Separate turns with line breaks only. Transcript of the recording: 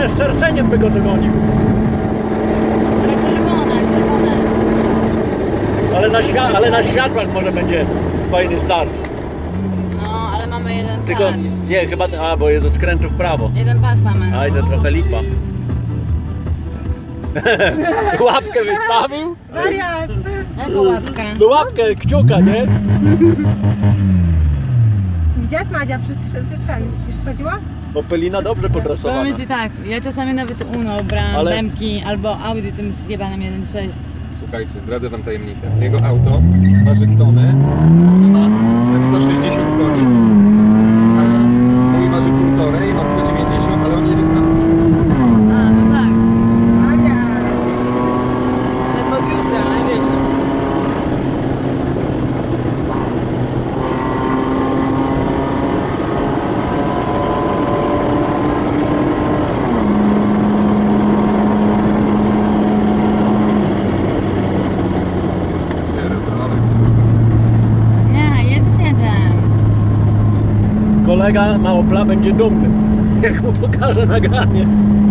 czerwone, z szerszeniem by go dogonił.
Ale czerwone.
Ale na światłach może będzie fajny start.
No, ale mamy jeden
Tylko,
pas.
nie, chyba, bo jest ze skrętu w prawo.
Jeden pas mamy.
Aj, to trochę lipa. Łapkę wystawił?
Wariat!
Jaką łapkę?
No łapkę, kciuka, nie?
Widziałaś Madzia ten, już schodziła?
Opelina dobrze podrasowana.
Powiem ci tak, ja czasami nawet Uno brałam
Ale-
Demki albo Audi tym zjebanym 1.6.
Słuchajcie, zdradzę wam tajemnicę. Jego auto waży tonę i ma ze 160 koni, a mój waży 1,5 i ma 190, ale on jedzie sam.
A, no tak.
Wariat!
Ale po piłce, ale wiesz. Nie, jedzie.
Kolega na Opla będzie dumny, jak mu pokaże nagranie.